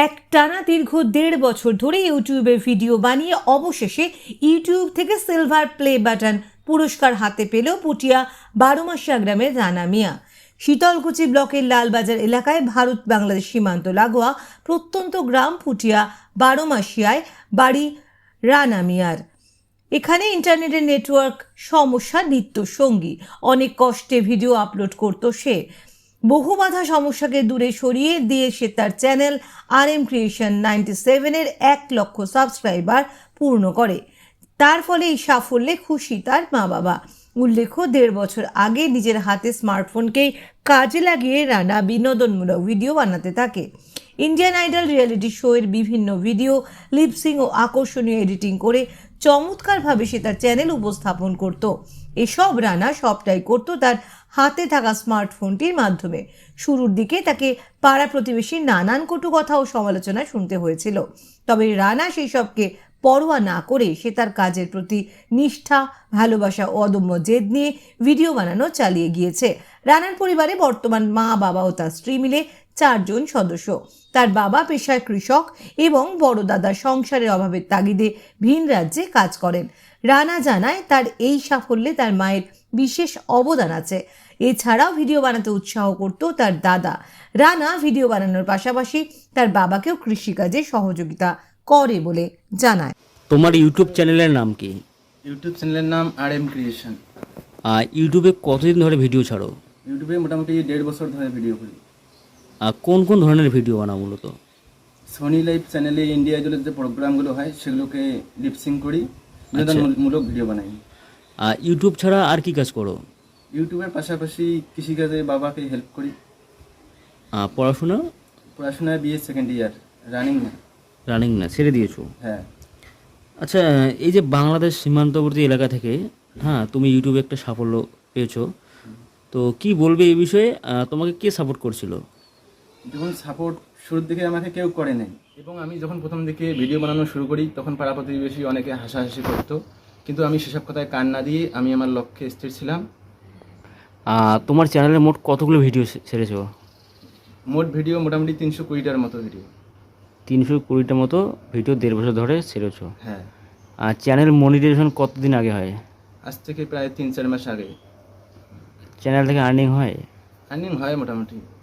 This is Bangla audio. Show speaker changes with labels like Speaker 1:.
Speaker 1: একটানা দীর্ঘ 1.5 বছর ধরে ইউটিউবে ভিডিও বানিয়ে অবশেষে ইউটিউব থেকে সিলভার প্লে বাটন পুরস্কার হাতে পেল পুটিয়া 12 মাসিয়া গ্রামের রানা মিয়া। শীতলকুচি ব্লকের লালবাজার এলাকায় ভারত বাংলাদেশ সীমান্ত লাগোয়া প্রত্যন্ত গ্রাম পুটিয়া 12 মাসিয়ায় বাড়ি রানা মিয়ার। এখানে ইন্টারনেটের নেটওয়ার্ক সমস্যা নিত্য সঙ্গী। অনেক কষ্টে ভিডিও আপলোড করতো সে। বহু বাধা সমস্যাকে দূরে সরিয়ে দিয়ে সে তার চ্যানেল RM Creation 97-এর 1 লক্ষ সাবস্ক্রাইবার পূর্ণ করে। তার ফলে এই সাফল্যে খুশি তার মা বাবা। উল্লেখ্য 1.5 বছর আগে নিজের হাতে স্মার্টফোনকেই কাজে লাগিয়ে রানা বিনোদনমূলক ভিডিও বানাতে থাকে। ইন্ডিয়ান আইডল রিয়েলিটি শোয়ের বিভিন্ন ভিডিও লিপসিং ও আকর্ষণীয় এডিটিং করে চমৎকারভাবে সে তার চ্যানেল উপস্থাপন করত। এসব রানা সবটাই করত তার হাতে থাকা স্মার্টফোনটির মাধ্যমে। শুরুর দিকে তাকে পাড়া প্রতিবেশীর নানান কটু কথা ও সমালোচনা শুনতে হয়েছিল, তবে রানা সেই সবকে পরোয়া না করে সে তার কাজের প্রতি নিষ্ঠা, ভালোবাসা ও অদম্য জেদ নিয়ে ভিডিও বানানো চালিয়ে গিয়েছে। রানার পরিবারে বর্তমান মা, বাবা ও তার স্ত্রী মিলে 4 জন সদস্য। তার বাবা পেশায় কৃষক এবং বড় দাদা সংসারের অভাবের তাগিদে ভিন রাজ্যে কাজ করেন। রানা জানায় তার এই সাফল্যে তার মায়ের বিশেষ অবদান আছে। এছাড়াও ভিডিও বানাতে উৎসাহ করত তার দাদা। রানা ভিডিও বানানোর পাশাপাশি তার বাবাকেও কৃষিকাজে সহযোগিতা করে বলে জানায়।
Speaker 2: তোমার ইউটিউব চ্যানেলের নাম কি?
Speaker 3: ইউটিউব চ্যানেলের নাম RM Creation।
Speaker 2: ইউটিউবে কতদিন ধরে ভিডিও ছাড়ো?
Speaker 3: ইউটিউবে মোটামুটি 1.5 বছর ধরে ভিডিও করি।
Speaker 2: কোন কোন ধরনের ভিডিও বানাও মূলত?
Speaker 3: সোনি লাইভ চ্যানেলে ইন্ডিয়া আইডলের যে প্রোগ্রামগুলো হয় সেগুলোকে লিপসিং করি, বিনোদনমূলক ভিডিও বানাই।
Speaker 2: ইউটিউব ছাড়া আর কি কাজ করো?
Speaker 3: ইউটিউবের পাশাপাশি কৃষিকাজে বাবাকে হেল্প করি। পড়াশোনায় BA সেকেন্ড ইয়ার, রানিং না,
Speaker 2: ছেড়ে দিয়েছো?
Speaker 3: হ্যাঁ।
Speaker 2: আচ্ছা, এই যে বাংলাদেশ সীমান্তবর্তী এলাকা থেকে তুমি ইউটিউবে একটা সাফল্য পেয়েছো, তো কি বলবে এই বিষয়ে? তোমাকে কে সাপোর্ট করছিল?
Speaker 3: যখন সাপোর্ট শুরুর দিকে আমাকে কেউ করে নাই, এবং আমি যখন প্রথম দিকে ভিডিও বানানো শুরু করি তখন পাড়া প্রতিবেশী অনেকে হাসাহাসি করতো, কিন্তু আমি সেসব কথায় কান না দিয়ে আমি আমার লক্ষ্যে স্থির ছিলাম।
Speaker 2: তোমার চ্যানেলে মোট কতগুলো ভিডিও ছেড়েছো?
Speaker 3: মোট ভিডিও মোটামুটি 320টার মতো ভিডিও।
Speaker 2: 320টার মতো ভিডিও 1.5 বছর ধরে ছেড়েছো?
Speaker 3: হ্যাঁ।
Speaker 2: চ্যানেল মনিটাইজেশন কতদিন আগে হয়?
Speaker 3: আজ থেকে প্রায় 3-4 মাস আগে।
Speaker 2: চ্যানেল থেকে আর্নিং হয়?
Speaker 3: আর্নিং হয় মোটামুটি।